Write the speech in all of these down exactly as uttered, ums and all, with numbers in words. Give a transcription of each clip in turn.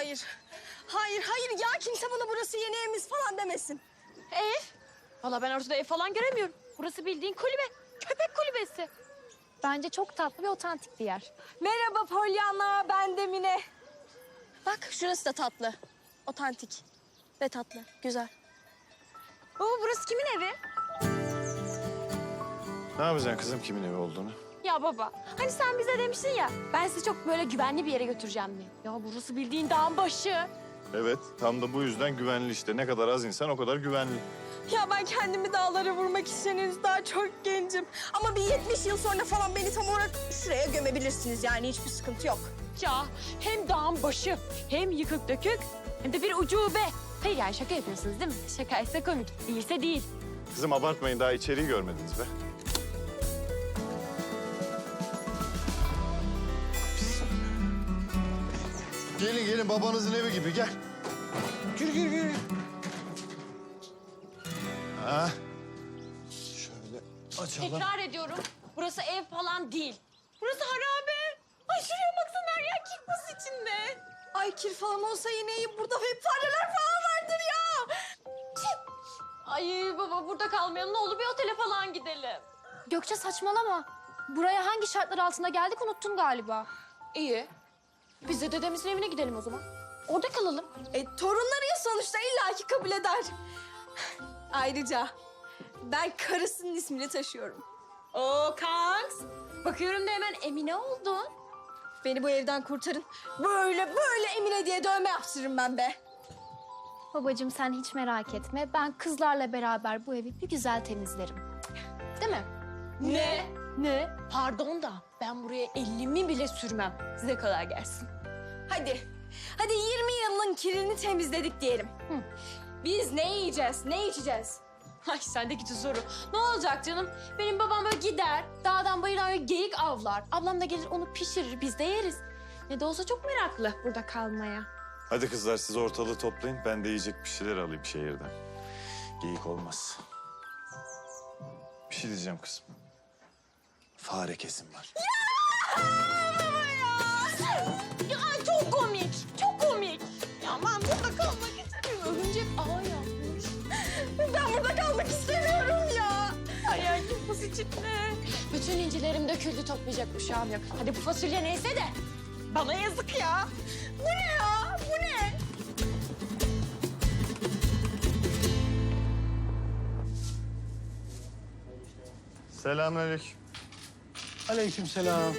Hayır. Hayır, hayır ya. Kimse bana burası yeni evimiz falan demesin. Ev? Valla ben ortada ev falan göremiyorum. Burası bildiğin kulübe. Köpek kulübesi. Bence çok tatlı ve otantik bir yer. Merhaba Pollyanna, ben de Mine. Bak şurası da tatlı. Otantik ve tatlı, güzel. Baba burası kimin evi? Ne yapacaksın kızım kimin evi olduğunu? Ya baba hani sen bize demiştin ya ben sizi çok böyle güvenli bir yere götüreceğim diye. Ya burası bildiğin dağın başı. Evet, tam da bu yüzden güvenli işte. Ne kadar az insan o kadar güvenli. Ya ben kendimi dağlara vurmak için henüz daha çok gencim. Ama bir yetmiş yıl sonra falan beni tam olarak şuraya gömebilirsiniz yani hiçbir sıkıntı yok. Ya hem dağın başı hem yıkık dökük hem de bir ucube. Hayır yani şaka yapıyorsunuz değil mi? Şakaysa komik, değilse değil. Kızım abartmayın, daha içeriği görmediniz be. Gelin gelin, babanızın evi gibi, gel. Gir gir gir. Ha. Şöyle açalım. Tekrar ediyorum burası ev falan değil. Burası harabe. Ay şuraya baksana her yer kirpas içinde. Ay kir falan olsa yine iyi. Burada hep fareler falan vardır ya. Ay baba burada kalmayalım ne olur bir otele falan gidelim. Gökçe saçmalama. Buraya hangi şartlar altında geldik unuttun galiba. İyi. Biz de dedemizin evine gidelim o zaman. Orada kalalım. E torunları ya sonuçta illaki kabul eder. Ayrıca ben karısının ismini taşıyorum. Oo kanks. Bakıyorum da hemen Emine oldun. Beni bu evden kurtarın. Böyle böyle Emine diye dövme yaptırırım ben be. Babacığım sen hiç merak etme. Ben kızlarla beraber bu evi bir güzel temizlerim. Değil mi? Ne? Ne? Pardon da ben buraya elimi bile sürmem. Size kolay gelsin. Hadi. Hadi yirmi yılın kirini temizledik diyelim. Hı. Biz ne yiyeceğiz, ne içeceğiz? Ay sendeki soru. Ne olacak canım? Benim babam böyle gider, dağdan bayırdan böyle geyik avlar. Ablam da gelir onu pişirir, biz de yeriz. Ne de olsa çok meraklı burada kalmaya. Hadi kızlar, siz ortalığı toplayın. Ben de yiyecek bir şeyler alayım şehirden. Geyik olmaz. Bir şey diyeceğim kızım. Fare kesim var. Ya çok komik, çok komik. Ya ben burada kalmak istemiyorum. Örümcek ağ yapmış. Ben burada kalmak istemiyorum ya. Hayal kirpas içinde. Bütün incilerim döküldü, toplayacak uşağım yok. Hadi bu fasulye neyse de. Bana yazık ya. Bu ne ya? Bu ne? Selamünaleyküm. Aleykümselam.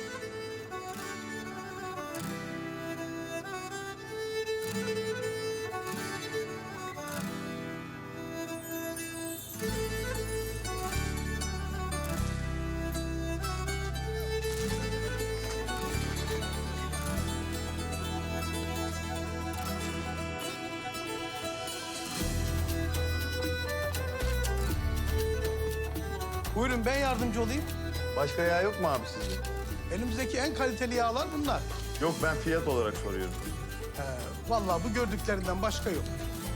Buyurun ben yardımcı olayım. Başka yağ yok mu abi sizde? Elimizdeki en kaliteli yağlar bunlar. Yok, ben fiyat olarak soruyorum. Ee, vallahi bu gördüklerinden başka yok.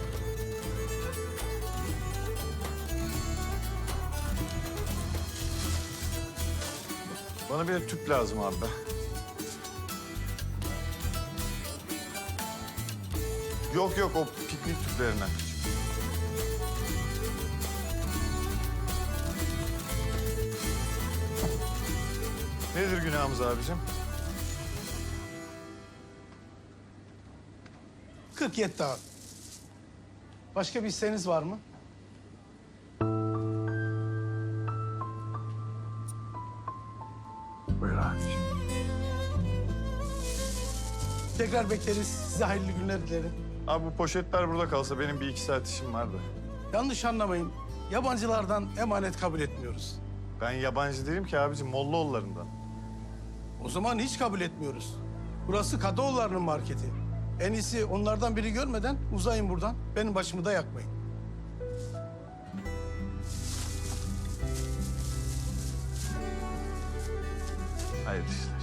Bana bir tüp lazım abi. Yok yok, o piknik tüplerinden. Nedir günahımız abicim? kırk yetti abi. Başka bir isteğiniz var mı? Buyur abicim. Tekrar bekleriz. Size hayırlı günler dilerim. Abi bu poşetler burada kalsa benim bir iki saat işim vardı. Yanlış anlamayın. Yabancılardan emanet kabul etmiyoruz. Ben yabancı değilim ki abicim, Mollaoğullarından. O zaman hiç kabul etmiyoruz. Burası Kadıoğulları'nın marketi. En iyisi onlardan biri görmeden uzayın buradan. Benim başımı da yakmayın. Hayır işte.